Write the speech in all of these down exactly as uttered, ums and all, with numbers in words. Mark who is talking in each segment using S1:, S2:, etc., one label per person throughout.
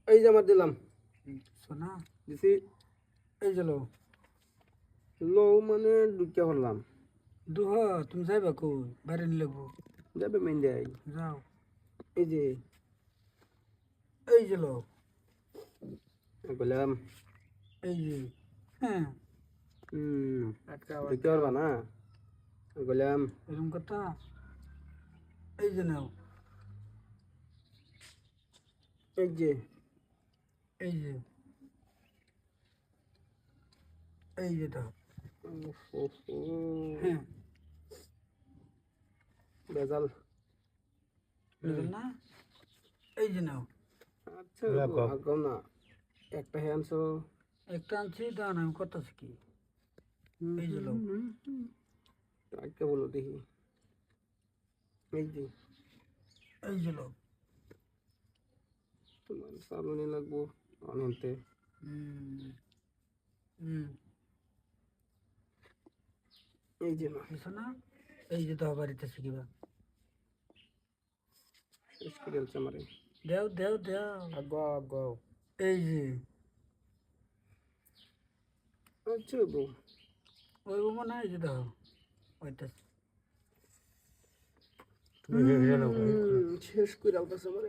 S1: এই যে আমার দিলাম
S2: সোনা
S1: দিছি
S2: এই যে লো
S1: লো মানে ঢুকে পড়লাম
S2: দুহ তুমি যাইবা কই বাইরে নিয়ে লাগবো
S1: যাবে মেন দেয়
S2: যাও
S1: এই যে
S2: এই যে লো
S1: বললাম
S2: এই যে হ্যাঁ
S1: হুম
S2: আটকা
S1: ঢুকে পারবা না বললাম
S2: এরকম কথা এই যে নাও
S1: এই যে
S2: এই যে এই যে দাও হ্যাঁ
S1: বেজাল
S2: বুঝলেন না এই যে নাও
S1: আচ্ছা আগাও না একটা হ্যান্ডস
S2: একটা আনছি দান আমি করতেছি কি এই যে লো
S1: আজকে বলো দেখি এই যে
S2: এই যে লো
S1: তোমার সামনে লাগবো অনন্তে
S2: হুম হুম
S1: এই যে না
S2: বুঝছো না এই যে দাও বাড়িতে শিখিবা
S1: শেষ করে দিচ্ছে আমারে
S2: দেও দেও দেও
S1: আগাও আগাও
S2: এই যে
S1: আচ্ছা বউ
S2: ওই মনে হয় যে দাও ওইটা
S1: শেষ করে আলতাছে আমারে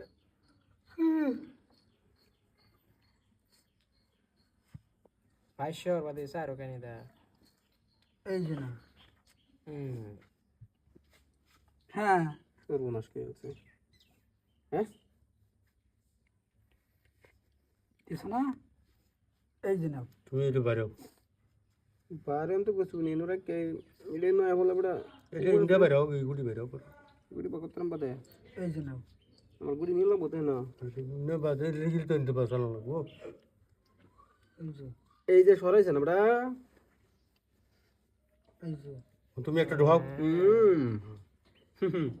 S3: পাঁচশোর বাদে চারো কেন দা
S2: এই যে না
S3: হুম
S2: হ্যাঁ
S1: সর্বনাশ করে আছে হ্যাঁ
S2: বুঝছো না এই যে নাও
S4: তুমি একটু বাইরে
S1: বারে আমি তো কিছু নেই নোরা কে ইডে নয় বলে বড়
S4: এটা ইন্ডিয়া বাইরে হোক গুড়ি বাইরে হোক
S1: গুড়ি পকতরাম বাদে
S2: এই যে নাও
S1: আমার গুড়ি নিল বোধ না
S4: না বাদে লিখিল তো ইনতে পারছ না লাগবো
S2: এই যে
S1: এই যে সরাইছে না বড়া
S2: এই যে
S4: তুমি একটা ঢোক
S1: হুম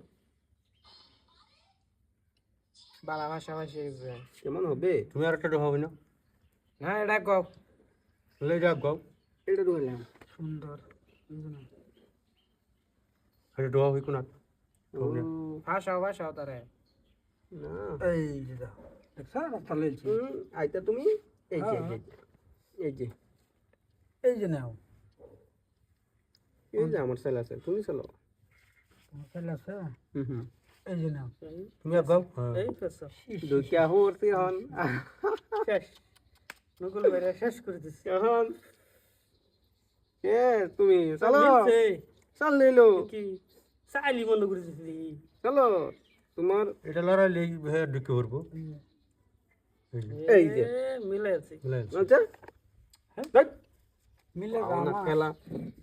S3: বালা ভাষা ভাষী
S1: কেমন হবে
S4: তুমি আর একটা ঢোক হবে না
S3: না এটা কও
S4: লে যা গাও
S1: এটা ঢুকলাম
S2: সুন্দর এই যে নাও
S4: একটা ঢোক হই কোনা ঢোক না
S3: ভাষাও ভাষাও তারে
S1: না
S2: এই যে দাও দেখছো রাস্তা লইছি
S1: হুম, আইতা তুমি এই যে এই যে, এই যে
S2: এই যে নাও
S1: এই যে আমার ছেলে আছে তুমি চলো
S2: তোমার ছেলে আছে
S1: হুম হুম
S2: এই যে নাও
S4: তুমি আর গাও
S3: এই ফেসো
S1: দুইটা হরতি হন
S3: শেষ নকুল বাইরে শেষ করে দিছি
S1: এখন কে তুমি চলো
S3: মিলছে।
S1: চল নিলো
S3: কি চাইলি বন্ধ করে দিছি
S1: চলো তোমার
S4: এটা লড়াই লেই হে ঢুকে পড়বো
S1: এই যে
S3: মিলে আছে
S1: আচ্ছা
S2: মিলে
S1: না খেলা